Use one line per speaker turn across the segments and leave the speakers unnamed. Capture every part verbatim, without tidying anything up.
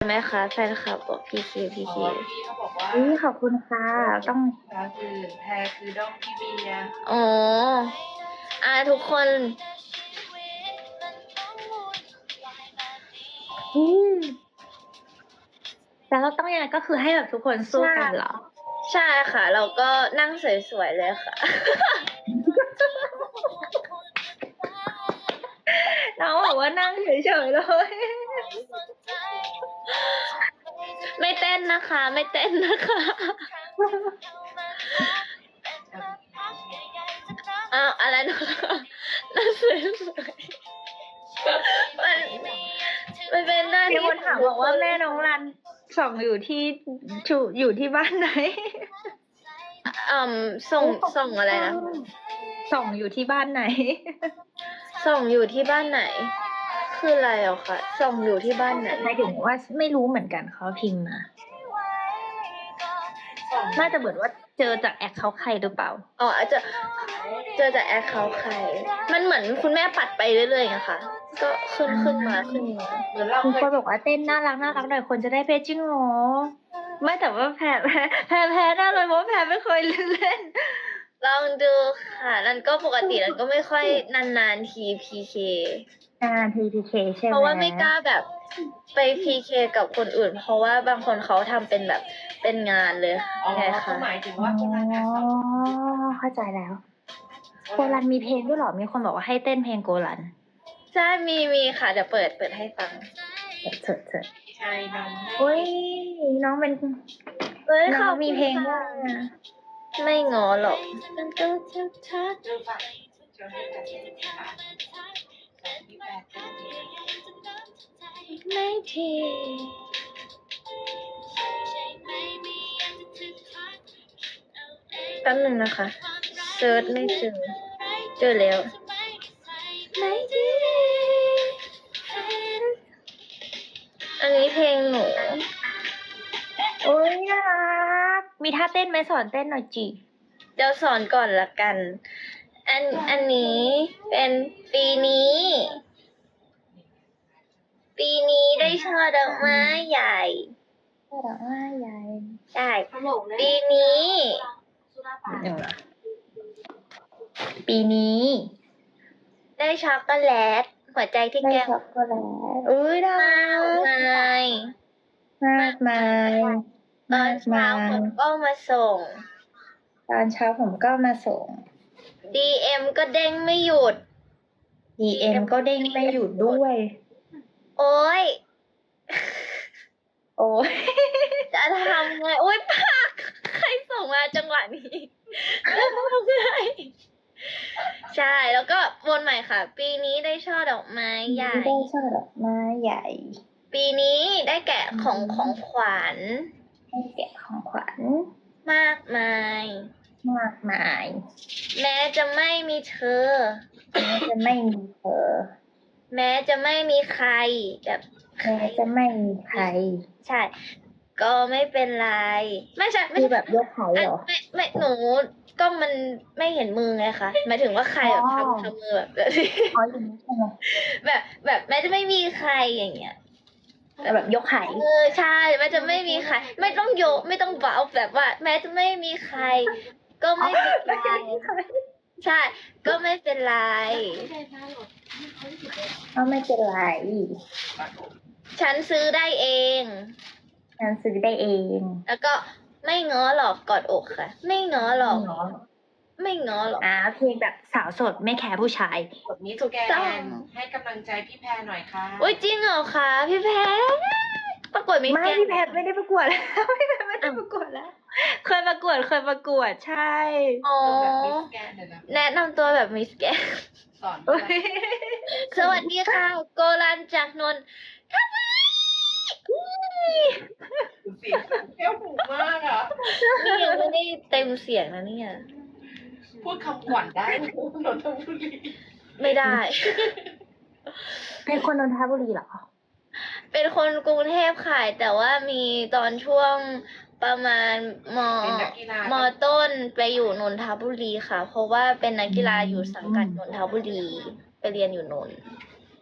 ไหมคะแฟนคลับบอกพีเคพีเค
อ๋อพี่เขาบอกว่า
อุ้ยขอบคุณค่ะต้อง
ภาษาอื่นแพรคือด้อมพี่เบียร์
อ๋ออ่าทุกคน
อืมแต่เราต้องยังไงก็คือให้แบบทุกคนสู้กันเหรอ
ใช่ค่ะ เราก็นั่งสวยๆเลยค่ะ
น้องบอกว่านั่งเฉยๆเลย
ไม่เต้นนะคะ ไม่เต้นนะคะ อ้าวอะไรนะคะนั่งสวยๆมันมันเป็นหน้า
มี
ที่
คนถามบอกว่าแม่น้องรันส่องอยู่ที่ชูอยู่ที่บ้านไหน
อืมส่งส่งอะไรนะ
ส่องอยู่ที่บ้านไหน
ส่งอยู่ที่บ้านไหน คืออะไรอ่ะคะส่งอยู่ที่บ้านไหน
หมายถึงว่าไม่รู้เหมือนกันเขาพิมพ์มาน่าจะเหมือนว่าเจอจากแอคเขาท์ใครหรือเปล่า
อ๋ออาจจะเจอจากแอคเคาท์ใคร มันเหมือนคุณแม่ปัดไปเรื่อยๆนะคะ ก็ขึ้นขึ้นมาขึ้นมา
เหมือนเรา
คุณ
เค
ค
ย
นบอกว่าเต้นน่ารักน่ารักหน่อยคนจะได้เพจจริงเหรอไม่แต่ว่าแพ้แพ้แพ้แพ้ได้เลยเพราะว่าแพ้ไม่เคยเล่น
ลองดูค่ะนั่นก็ปกตินั่นก็ไม่ค่อยนานๆทีพีเค
งาน ที พี เค ใช่ไหม
เพราะว่าไม่กล้าแบบไปพีเคกับคนอื่น เพราะว่าบางคนเขาทำเป็นแบบเป็นงานเลย
อ๋อ
ไง
เขา
คะ
หมายถึง
อ๋อ
ว่าคนละงานสอง
เข้าใจแล้วโกลันมีเพลงด้วยเหรอมีคนบอกว่าให้เต้นเพลงโกลัน
ใช่มีมีค่ะเดี๋ยวเปิดเปิดให้ฟัง
เถิดเถิด
ใช่น้อง
โอ้ยน้องเป็น
เอ้ย
น้
ข
อ
อง บ
มี
คุณ
เพลง
ค่ะ
ด้วย
ไม่งอหรอกมันก็จะทัก
เริ่มฟังเชิญให้กับพี่แพรพี่แพรเต้นดี
ไม่ทีแป๊บหนึ่งนะคะเซิร์ชไม่เจอเจอแล้วไม่ดีอันนี้เพลงหนู
โอ้ยน่ารักมีท่าเต้นไหมสอนเต้นหน่อยจิ
เดี๋ยวสอนก่อนละกัน อันอันนี้เป็นปีนี้ ปีนี้ได้ช่อดอกไม้ใหญ่
ช่อดอกไม้ใหญ่
ใช่ ปีนี้
หนึ่งละปีนี้
ได้ช็อกโกแลตหัวใจที่
ได้
แก้ม
ช็อกโกแลตอุ้ยน่าม
าก
รัก
มาย
มากมาย
ตอนเช้าผมก็มาส่ง
ตอนเช้าผมก็มาส่ง
ดี เอ็ม ก็เด้งไม่หยุด
ดี เอ็ม ก็เด้งไม่หยุดด้วย
โอ๊ย
โอ้ย
จะทำไงโอ๊ยปากใครส่งมาจังหวะนี้จะทำไงใช่แล้วก็วนใหม่ค่ะ ปีนี้ได้ช่อดอกไม้ใหญ่
ได้ช่อดอกไม้ใหญ่
ปีนี้ได้แกะของของขวัญ
ให้แกะของขวัญ
มากมาย
มากมาย
แม้จะไม่มีเธอ
แม้จะไม่มีเธอ
แม้จะไม่มีใครแบบ
แม้จะไม่มีใคร
ใช่ ก็ไม่เป็นไร ไม่ใช่ไม่
คือ
ใช่
แบบยกเขาเหรอ
ไม่ไม่หนูก็มันไม่เห็นมือไงคะหมายถึงว่าใครแบบ
อ๋อ
ทำทำมือแบบแบบนี้
อ๋ออย่างนี้ใช่ไหม
แบบแบบแม้จะไม่มีใครอย่างเงี้ย
แต่แบบยกไข่
เออใช่แม้จะไม่มีใคร ไม่ต้องโยกไม่ต้องเบาแบบว่า แม้จะไม่มีใคร ก็ไม่เป็นไรใช่ ก็ไม่เป็นไร
ก็ไม่เป็นไร
ฉันซื้อได้เอง
ฉันซื้อได้เอง
แล้วก็ไม่ง้อหรอกกอดอกค่ะ ไม่ง้อหรอก
เนาะ
ไม่ง้อหรอก
อ่าเพลงแบบสาวโสดไม่แคร์ผู้ชาย
กดนี้ตัวแก
ต้อง
นให้กำลังใจพี่แพรหน่อยค่ะ
โอ้ยจริงเหรอคะพี่แพทประกวดมิส
ไม่
แกรน
พี่แพทไม่ได้ประกวดแล้ว พี่แพทไม่ได้ประกวดแล้ว เคยประกวดเคยประกวดใช่
อ๋อ
แบบมิสแกนเดี๋ยวนะ
แนะนำตัวแบบมิสแกรน
สอน
โอ้ย
สวัสดีค่ะ โกลันจากนนทบุรี
เสียงแก้วหูมากอ่ะ
นี่ยังไม่ได้เต็มเสียงนะเนี่ย
พูดคำขวัญได้ไหมนนทบุรี
ไม่ได้
เป็นคนนนทบุรีเหรอ
เป็นคนกรุงเทพค่ะแต่ว่ามีตอนช่วงประมาณม
เป็นนักกีฬาม
ต้นไปอยู่นนทบุรีค่ะ เพราะว่าเป็นนักกีฬาอยู่สังกัดนนทบุรี ไปเรียนอยู่นนท์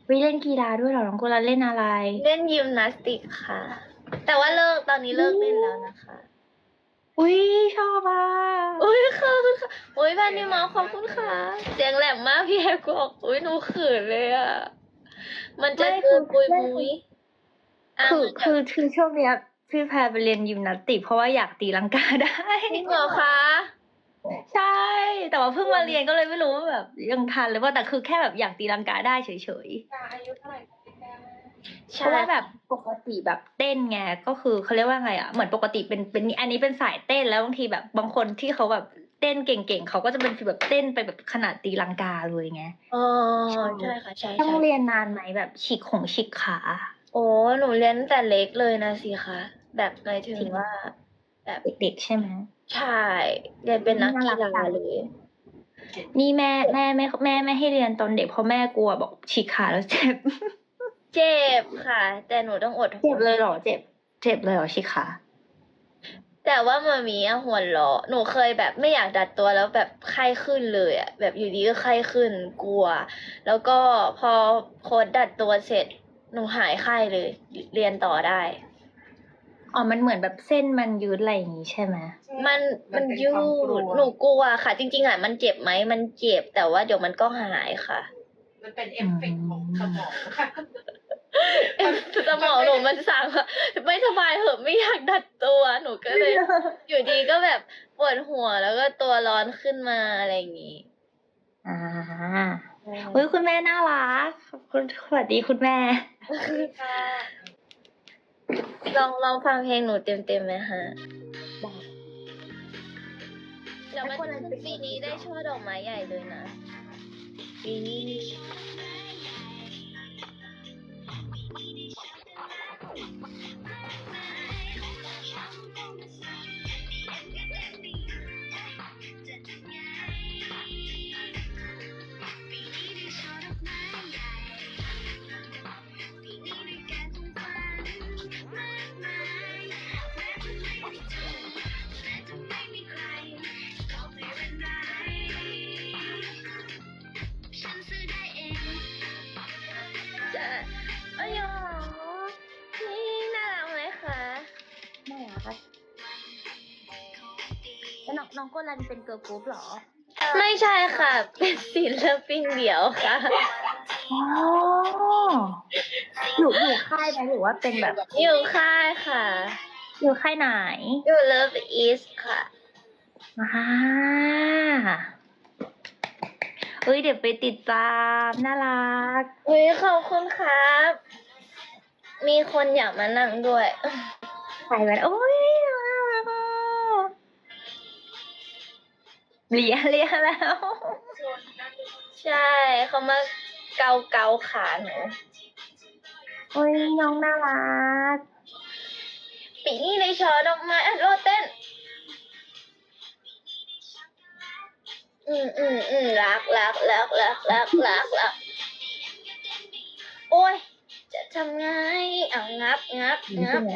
วิเล่นกีฬาด้วยเหรอน้องกุลาเล่นอะไร
เล่นยิมนาสติกค่ะ แต่ว่าเลิกตอนนี้เลิกเล่นแล้วนะคะ
อุ้ยชอบอ่ะ
อุ้ยขอบคุณค่ะอุ้ยแพนนี่มาขอบคุณค่ะเสียงแหลมมากพี่แฮกบอกอุ้ยหนูเขินเลยอ่ะ มันจะเกินปุยมุยะ
คือ
มันจะ
คือคือช่วงเนี้ยพี่แพรไปเรียนยิมนาสติกเพราะว่าอยากตีลังกาได้
จริงเหรอคะ
ใช่ แต่ว่าเพิ่งมาเรียนก็เลยไม่รู้ว่าแบบยังทันหรือว่าแต่คือแค่แบบอยากตีลังกาได้เฉย
อายุเท่าไหร่พี่แก้ว
ๆเพ
ใช่
ราะว่าแบบปกติแบบเต้นไงก็คือเขาเรียกว่าไงอ่ะเหมือนปกติเป็นเป็นอันนี้เป็นสายเต้นแล้วบางทีแบบบางคนที่เขาแบบเต้นเก่งๆเขาก็จะเป็นฟีลแบบเต้นไปแบบขนาดตีลังกาเลยไง
อ๋อใช่ค่ะใช่
ต้อง
ใช่
เรียนนานไหมแบบฉีกของฉีกขา
โอ้หนูเรียนตั้งแต่เล็กเลยนะสิคะแบบหมายถึงว่า แบบ
เด็กๆใช่ไหม
ใช่เรียนเป็นนักกี
น่ารั
ฬาก
จัง
เลย
นี่แม่แม่ไม่แม่ไม่ให้เรียนตอนเด็กเพราะแม่กลัวบอกฉีกขาแล้วเจ็บ
เจ็บค่ะ แต่หนูต้องอดท
เจ็บ
น
เลยเหรอเจ็บ เจ็บเลยเหรอฉีกขา
แต่ว่ามามีอะหัวเราะหนูเคยแบบไม่อยากดัดตัวแล้วแบบไข้ขึ้นเลยอะแบบอยู่ดีก็ไข้ขึ้นกลัว แล้วก็พอโค้ดดัดตัวเสร็จหนูหายไข้เลย เรียนต่อได้
อ๋อมันเหมือนแบบเส้นมันยืดอะไรอย่างงี้ใช่ไหม
มันมัน
เป็
ยื
ความกลั
ด
ว
หนูกลัวค่ะ จริงๆอะมันเจ็บไหมมันเจ็บแต่ว่าเดี๋ยวมันก็หายค่ะ
มันเป็นเอฟเฟกต์ของสมองค่ะ
สมองหนูมันสั่งว่าไม่สบายเหอะไม่อยากดัดตัวหนูก็เลย อยู่ดีก็แบบปวดหัวแล้วก็ตัวร้อนขึ้นมาอะไรอย่างงี้
อ่าเฮ้ยคุณแม่น่ารักขอบคุณสวัสดีคุณแม่
ลองลองฟังเพลงหนูเต็มๆไหมฮะเดี๋ยวมันขึ้นปีนี้ได้ช่อดอกไม้ใหญ่เลยนะปีนี้ จะเอ้ยหรอนี่น่ารักไหมคะ
น่ารักแล้วน้องน้องโกลันเป็นเกิร์ลกรุ๊ปเหรอ
ไม่ใช่ค่ะ เป็นศิลปินเดี่ยวค่ะ
อ๋ออยู่อยู่ค่ายไหมหรือว่าเป็นแบบ
อยู่ค่ายค่ะ
อยู่ค่ายไหน
อยู่ Love East ค่ะ
อ่าเอ้ยเดี๋ยวไปติดตามน่ารัก
อุ้ยขอบคุณครับ มีคนอยากมานั่งด้วย
ใส่แว่นโอ้ยน่ารักอ่ะเลียเลียแล้ว
ใช่เขามาเกาเกาขาหนู
โอ้ยน้องน่ารัก
ปีนี้ในชอดอกไม้อ่ะโรดเต้น อืมอืมอืมรักรักรักรักรักรักรักโอ้ย จะทำไงอ่ะงับงับ
ดี
งั
ใช่
บ
ไหม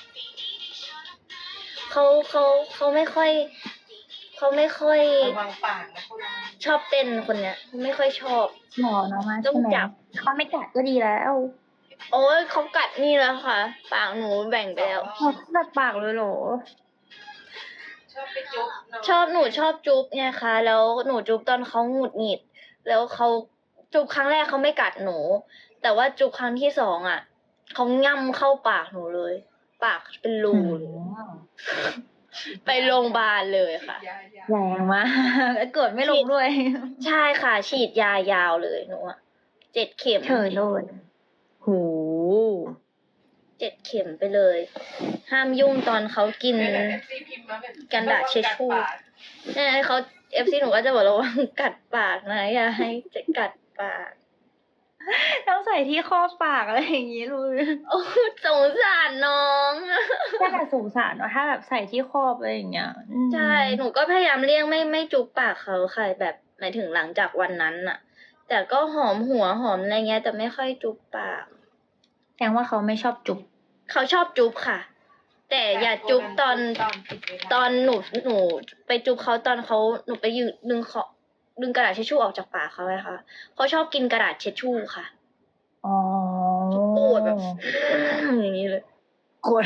เขาเขาเขาไม่ค่อย เขาไม่ค่อย
ระวังปากนะพวกเรา
ชอบเต้นคนเนี้ยไม่ค่อยชอบ
หมอน้องมา
ต้อ
ใช่
ง
ไหม
จับ
เขาไม่กัดก็ดีแล้ว
โอ้ยเขากัดนี่แล้วค่ะ ปากหนูแบ่งไปแล้ว
เขากัดปากเลยเหรอ
ชอบไปจุ๊บเนาะ
ชอบหนูชอบจุ๊บไงคะแล้วหนูจุ๊บตอนเขาหงุดหงิด แล้วเขาจุ๊บครั้งแรกเขาไม่กัดหนู แต่ว่าจุ๊บครั้งที่สองอ่ะเขาง่ำเข้าปากหนูเลย ปากเป็นรูเลย ไปโรงพยาบาลเลยค่ะ
ยายา
แรงมากเกิดไม่ลงด้วย
ใช่ค่ะ ฉีดยายาวเลยหนูอะเจ็ดเข็ม
เฉยเลยโห
เจ็ดเข็มไปเลย ห้ามยุ่งตอนเขากิน
เอฟซีพิมพ์มาแบบ
กันดาษเช็ดชู่
ระวังกัดปาก
เนี่ยเขาเอฟซีหนูก็จะบอกเราว่ากัดปากนะอย่าให้จะกัดปาก
ต้องใส่ที่ครอบปากอะไรอย่างงี้เลย
โอ้สงสารน้องอะ
ถ้าแบบสงสารเนาะถ้าแบบใส่ที่ครอบอะไรอย่างเงี้ยอืม
ใช่ หนูก็พยายามเลี่ยงไม่ไม่จุบปากเขาค่ะแบบหมายถึงหลังจากวันนั้นน่ะ แต่ก็หอมหัวหอมอะไรเงี้ย แต่ไม่ค่อยจุบปาก
แสดงว่าเขาไม่ชอบจุบ
เขาชอบจุบค่ะ แต่อย่าจุบตอน
ตอนปิดเวลา
ตอนหนูหนูไปจุบเขาตอนเขาหนูไปยืนดึงเขาดึงกระดาษเช็ดชู่ออกจากปากเขาไงคะเขาชอบกินกระดาษเช็ดชู่ค่ะ
อ๋อ
โกรธแบบ อย่างนี้เลย
โกรธ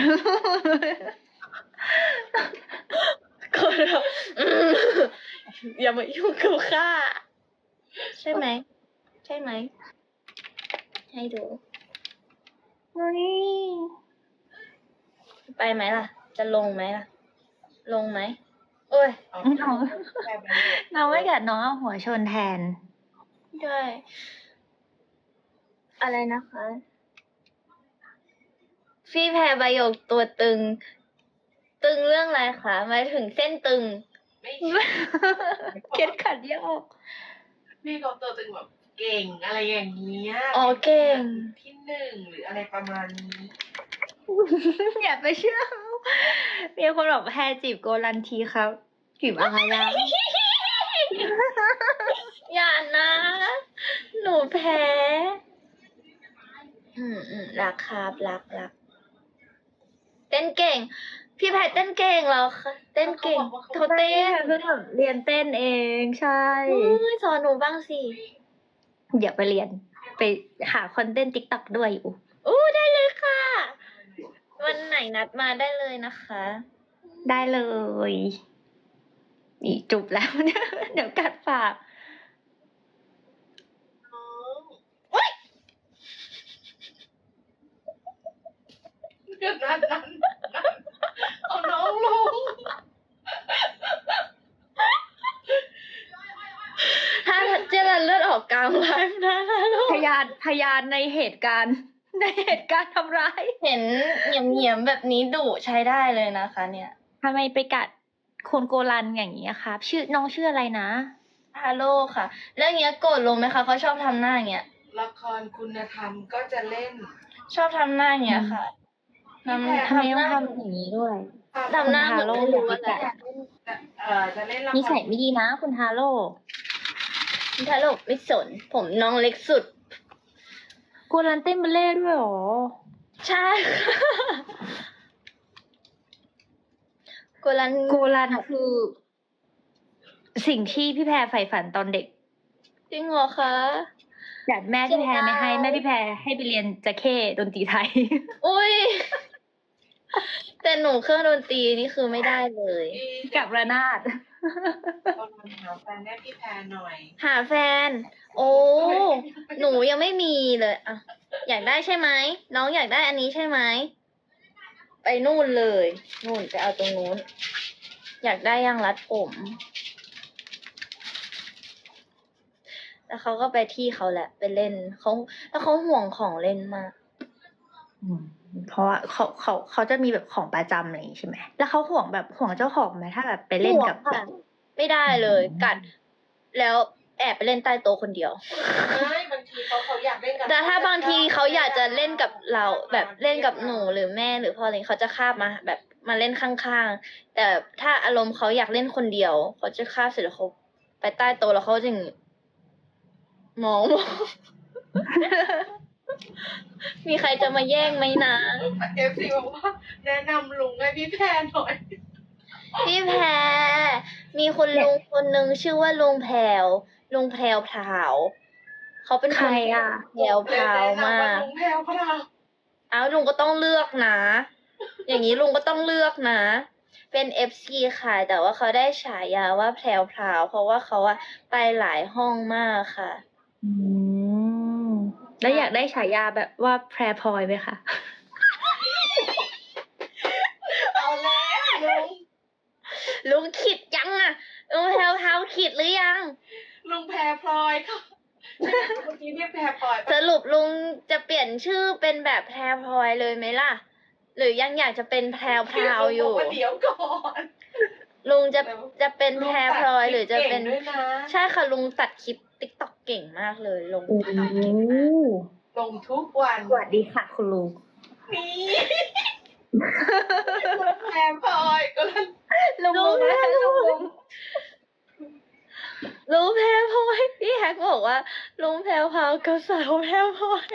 โกรธแบบอืมอย่ามายุ่งกับข้าใช่ไหม ใช่ไหม ให้ดู
เฮ้ย
ไปไหมล่ะ จะลงไหมล่ะ ลงไหมโอ้ย
เอา
น้อง
แค่ประโยค
น้องไม่กัดน้องเอาหัวชนแทน
ด้วยอะไรนะคะ พี่แพรใบหยกตัวตึง ตึงเรื่องอะไรคะหมายถึงเส้นตึง
ไม่
เก็ดขัดยอก
พี่เขาตัวตึงแบบเก่งอะไรอย่างเงี้ย
อ๋อเก่ง
ที่หนึ่งหรืออะไรประมาณนี้
อย่าไปเชื่อเขามีคนบอกแพรจีบโกลันทีครับจีบอะไรล่ะ
อย่านะ หนูแพ้ อืมอืมรักครับรักรักเต้นเก่ง พี่แพทเต้นเก่งแล้วค่ะเต้นเก่งเขาเต้น
เพิ่งแบบเรียนเต้นเองใช่
อุ้ยสอนหนูบ้างสิ
เดี๋ยวไปเรียน ไปหาคอนเทนต์ติ๊กต็อกด้วยอยู่
อู้ได้เลยค่ะ วันไหนนัดมาได้เลยนะคะ
ได้เลย นี่จุบแล้ว เนี่ยเดี๋ยวกัดปาก
น้อง
อุ๊ย
เดี๋ยวนั้นนั้นนั้นเอาน้องลง
ถ้าเจรันเลือดออกกลางไลฟ์นะนะลูก
พยานพยานในเหตุการณ์ ในเหตุการณ์ทำร้าย
เห็นเหนียมเหนียมๆแบบนี้ดุใช้ได้เลยนะคะ เนี่ย
ทำไมไปกัดคนโกลันอย่างนี้ยครับ ชื่อน้องชื่ออะไรนะ
ฮาโลค่ะ แล้วอย่างเงี้ยโกรธลงไหมคะเขาชอบทำหน้าอย่างเงี้ย
ละครคุณธรรมก็จะเล่น
ชอบทำหน้าอย่างเงี้ยค่ะทำ
ทำไม
ทำห
ต้อง
น้า
ทำอย่างนี้ด้วย
ทำหน้าเห
คุณ
มือน
ฮาโร่
ไม่รู้
อย่า
อะไร
ไปกัด
จะเอ่อจะเล่นละคร
นิสัยไม่ดีนะ คุณฮาโร่
คุณทาโลกไม่สน ผมน้องเล็กสุด
โกลันเต้นบัลเล่ต์ด้วยเหรอ
ใช่ค่ะโกลัน
โกลันคือ สิ่งที่พี่แพรใฝ่ฝันตอนเด็ก
จริงเหรอคะ
แต่แม่พี่แพรไม่ให้
เสียดาย
แม่พี่แพรให้ไปเรียนจะเข้ดนตรีไทย
อุ้ย แต่หนูเครื่องดนตรีนี่คือไม่ได้เลย
พี่
กับระนาด
กำลังหาแฟนให้พี่แพรหน่อย
หาแฟน โอ้ หนูยังไม่มีเลยอะอยากได้ใช่ไหม น้องอยากได้อันนี้ใช่ไหม ไปนู่นเลย นู่นไปเอาตรงนู้น อยากได้ยางรัดผม แล้วเขาก็ไปที่เขาแหละ ไปเล่นเขาแล้วเขาห่วงของเล่นมาก
อืมเพราะว่าเขาเขาเขาจะมีแบบของประจำอะไรอย่างงี้ใช่ไหม แล้วเขาห่วงแบบห่วงเจ้าของไหมถ้าแบบไปเล่นกับ
ห่วงค่ะ ไม่ได้เลย กัด แล้วแอบไปเล่นใต้โต๊ะคนเดียว
ไม่บางทีเขาเขาอยากเล่นกับ
แต่ถ้าบางทีเขาอยากจะเล่นกับเราแบบเล่นกับหนูหรือแม่หรือพ่ออะไรเขาจะคาบมาแบบมาเล่นข้างๆ แต่ถ้าอารมณ์เขาอยากเล่นคนเดียวเขาจะคาบเสร็จแล้วเขาไปใต้โต๊ะแล้วเขาจะอย่างงี้มองมอง มีใครจะมาแย่งไหมนะ
เอฟซีบอกว่าแนะนำลุงให้พี่แพรหน่อย
พี่แพรมีคุณลุงคนหนึ่งชื่อว่าลุงแพรวลุงแพรวพราวเขาเป็น
ใครอ่ะ
แพรวพราวมาก
ลุงแพรวพราว
อ้าวลุงก็ต้องเลือกนะ อย่างนี้ลุงก็ต้องเลือกนะ เป็นเอฟซีค่ะ แต่ว่าเขาได้ฉายาว่าแพรวพราวเพราะว่าเขาอะไปหลายห้องมากค่ะ
อืม แล้วอยากได้ฉายาแบบว่าแพรพลอยไหมคะ
เอาแล้วลุง
ลุงขิดยังอะลุงแพรวพราวขิดหรือยัง
ลุงแพรพลอยค่ะเมื่อกี้เรียกแพรพลอย
สรุปลุงจะเปลี่ยนชื่อเป็นแบบแพรพลอยเลยไหมล่ะ หรือยังอยากจะเป็นแพรวพราวอยู่
ลุงบกว่าเดี๋ยวก่อน
ลุงจะจะเป็นแพรพลอยหรือจะเป็น
ลุงตัดคลิปเก่งด้วยนะ
ใช่ค่ะลุงตัดคลิปติ๊กต็อกเก่งมากเลยลง
โอ้
ติ๊กต็อกเก่งมาก
ลงทุกวัน
สวัสดีค่ะคุณลุง
นี่ลุงแพรพลอยก็เลย
ลุงลุงนะลุงลุง
ลุงแพรพลอยพี่แฮกบอกว่าลุงแพรพราวกับสาวแพรพลอย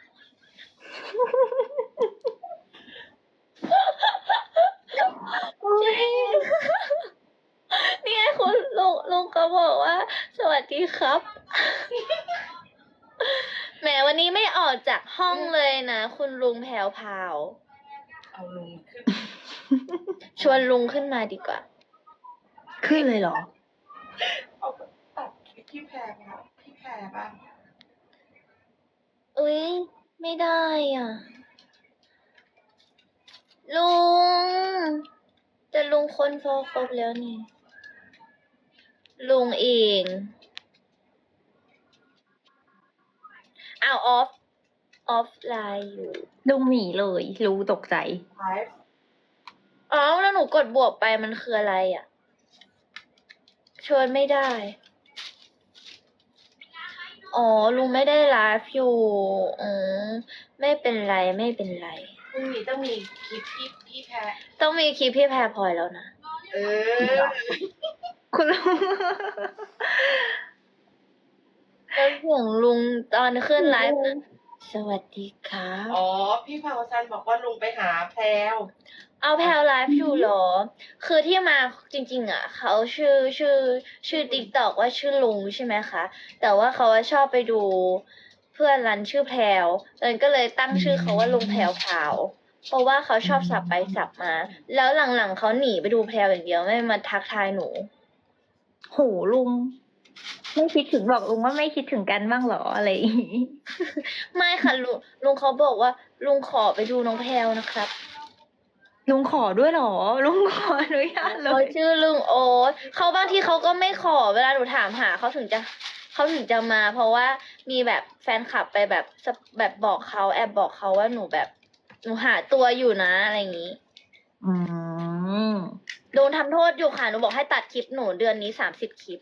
จริงนี่ไงคุณลุงลุงก็บอกว่า สวัสดีครับแหมวันนี้ไม่ออกจากห้องเลยนะ คุณลุงแพรวพราว
เอาลุงขึ้น
ชวนลุงขึ้นมาดีกว่า
ขึ้นเลยเหรอ
เอาตัดคลิปพี่แพรครับพี่แพรบ้าง
อุ้ยไม่ได้อ่ะ ลุงแต่ลุงคนฟอครบแล้วนี่ ลุงเองอ้าวออฟ ออฟไลน์อยู่
ลุงหนีเลย รู้ตกใจ
ไลฟ์
อ๋อแล้วหนูกดบวกไปมันคืออะไรอ่ะชวนไม่ได้ อ๋อ ลุงไม่ได้ไลฟ์อยู่อืมไม่เป็นไรไม่เป็นไร
พรุ่งนี้ต้องมีคลิปพี่พี่แพร
ต้องมีคลิปพี่แพรพลอยแล้วนะ
เออ
คุณลุง
แล้วเสียงลุงตอนขึ้นไลฟ์นะสวัสดีครับ
อ๋อ พี่พาวซันบอกว่าลุงไปหาแพรว
เอาแพลไลฟ์อยู่เหรอ คือที่มาจริงๆอ่ะ เขาชื่อชื่อ ชื่อติ๊กตอกว่าชื่อลุงใช่ไหมคะ แต่ว่าเขาชอบไปดูเพื่อนรันชื่อแพลวเอิญก็เลยตั้งชื่อเขาว่าลุงแพลวพราวเพราะว่าเขาชอบสับไปสับมา แล้วหลังๆเขาหนีไปดูแพลวอย่างเดียวไม่มาทักทายหนู
โหลุง ไม่คิดถึงบอกลุงว่าไม่คิดถึงกันบ้างเหรออะไรอย่างงี้
ไม่ค่ะลุงลุงเขาบอกว่า ลุงขอไปดูน้องแพลวนะครับ
ลุงขอด้วยเหรอ ลุงขออนุญาตเล
เขา
ย
ชื่อลุงโอ๊ตเขาบางทีเขาก็ไม่ขอเวลาหนูถามหาเขาถึงจะเขาถึงจะมา เพราะว่ามีแบบแฟนคลับไปแบบสะแบบบอกเขาแอบบอกเขาว่าหนูแบบหนูหาตัวอยู่นะอะไรอย่างนี้
อืม
โดนทำโทษอยู่ค่ะหนูบอกให้ตัดคลิปหนูเดือนนี้สามสิบคลิป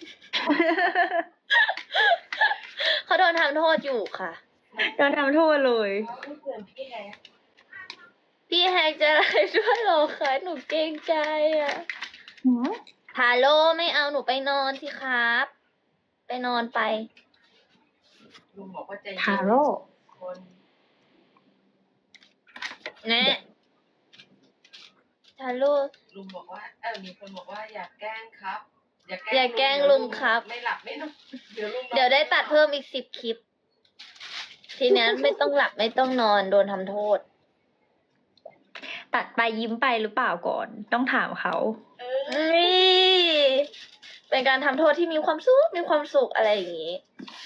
เขาโดนทำโทษอยู่ค่ะ
โดนทำโทษเลย
ไม่เตือนพี่แฮก
พี่แฮกจะอะไรด้วยเหรอคะหนูเกรงใจอ่ะ
หืม
ฮัลโหลไม่เอาหนูไปนอนสิครับ ไปนอนไป
ลุงบอกว่าใจเย็น
ทาโร่
คน
แน่ฮัลโหล
ลุงบอกว่าเออมีคนบอกว่าอย่าแกล้งครับ อย่า
อย่าแกล้งลุงครับ
ไม่หลับไม่นอนเดี๋ยวลุงนอน
เดี๋ยวได้ตัดเพิ่มอีกสิบคลิป ทีนี้ไม่ต้องหลับไม่ต้องนอนโดนทำโทษ
ตัดไปยิ้มไปหรือเปล่าก่อน ต้องถามเขา
เออ
นี่เป็นการทำโทษที่มีความสุขมีความสุขอะไรอย่างนี้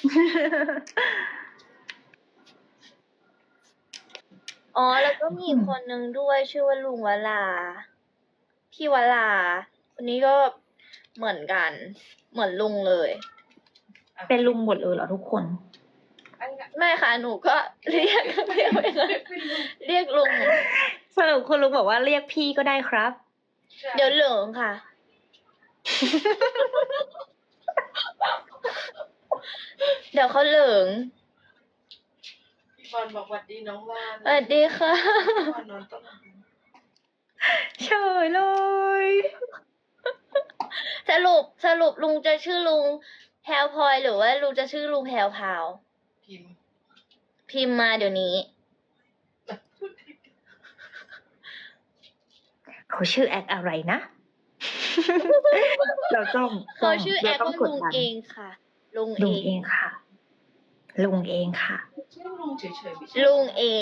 อ๋อ แล้วก็มีอีกคนนึงด้วยชื่อว่าลุงวลา พี่วลา คนนี้ก็เหมือนกัน เหมือนลุงเลย
เป็นลุงหมดเลยเหรอทุกคน
อันนั้น
ไม่ค่ะ หนูก็เรียกเรียกไปเลยเรียกลุง
สรุปคุณลุงบอกว่าเรียกพี่ก็ได้ครับ
เดี๋ยวเหลิงค่ะ เดี๋ยวเขาเหลิง
พี่บอลบอกหวัดดีน้องว่าน
สวัสดีค่ะ
ว่านนอนต้นไม้
เฉยเลย
สรุปสรุปลุงจะชื่อลุงแพรวพลอยหรือว่าลุงจะชื่อลุงแพรวพราว
พิมพ์
พิมพ์มาเดี๋ยวนี้
เขาชื่อแอคอะไรนะ เราต้อง
เขาชื่อแอ
ร
ค
ต้
ว่า
กด
ลุง
ดัน
เองค่ะ ลุง
ลุง
เอ
เอง งค่ะ ลุงเองค่ะ
ชื่อลุงเฉยๆไม่ใช่
ลุงเอง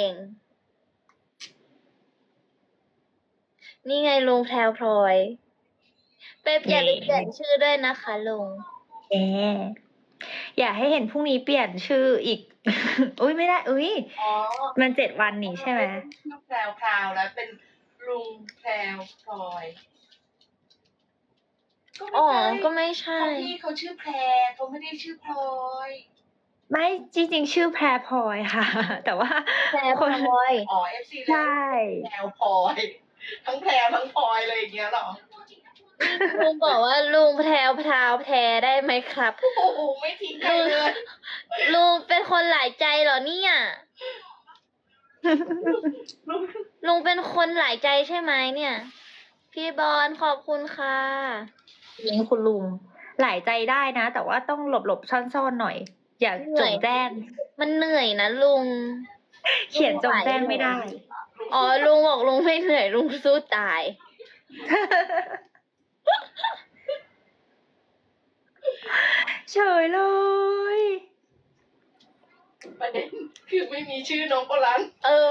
นี่ไงลุงแพรวพลอยไปเปลี่ยน
เย้
เปลี่ยนชื่อด้วยนะคะลุง
แออยากให้เห็นพรุ่งนี้เปลี่ยนชื่ออีก อุ้ยไม่ได้ อุ้ย
อ๋อ
มันเจ็ดวันนี่ใช่ไหม
ชื่อแพรวพราวแล้วเป็นลุงแพรวพลอย
อ๋อ
ก็ไม่
ก็
ใช่
ไม่ใช่
เขาพี่เขาชื่อแพรเขาไม่ได้ชื่อพลอย
ไม่จริงๆ ชื่อแพรพลอยค่ะ แต่ว่า
แพรว
คน
พลอย
อ๋อเอฟซี
ใช่
แพรวพลอย ทั้งแพรวทั้งพลอยเลยอย่างเงี้ยเหรอ
ลุงบอกว่าลุงแพรวพราวแพรได้ไหมครับ
โอ้โหไม่ทิ้งใครเลย
ลุงเป็นคนหลายใจเหรอเนี่ย ลุงเป็นคนหลายใจใช่ไหมเนี่ย พี่บอลขอบคุณค่ะ
ยิงคุณลุง หลายใจได้นะ แต่ว่าต้องหลบหลบๆซ่อนๆหน่อย อย่า
เหนื่
จ
อย
งแจ้ง
มันเหนื่อยนะลุง
เขียนจงแจ้งไม่ได้
อ๋อลุงบอกลุงไม่เหนื่อยลุงสู้ตาย
เฉยเลย
ประเด็นคือไม่มีชื่อน้องโบราณ
เออ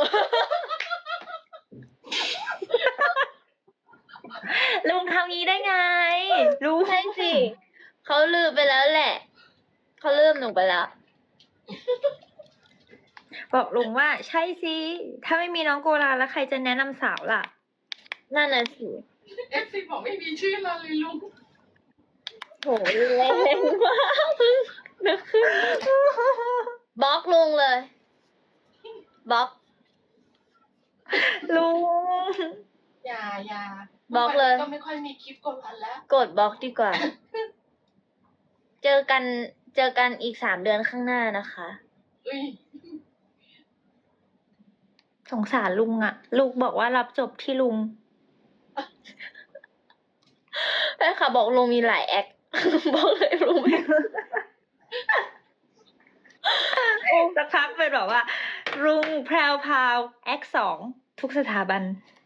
ลุงทำงี้ได้ไงลุง
ใช่สิเขาลืมไปแล้วแหละเขาลืมหนูไปแล้ว
บอกลุงว่าใช่สิถ้าไม่มีน้องโกลาแล้วใครจะแนะนำสาวล่ะ
นั่นน่ะสิ
เอฟซีบอกไม่มีชื่อเราเลยลุง
โหแรงมากเพิ่งนึกขึ้นบล็อกลุงเลยบล็อก
ลุง
อย่าอย่า
บล็อกเลย
ก็ไม่ค่อยมีคลิปกดรันแล้ว
กดบล็อกดีกว่า เจอกันเจอกันอีกสามเดือนข้างหน้านะคะ
อุ้ย
สงสารลุงอะลูกบอกว่ารับจบที่ลุง
แม่ค่ะบอกลุงมีหลายแอค บอกเลยลุงไม่
สักพักเป็นแบบว่า ลุงแพรวพราวแอคสองทุกสถาบัน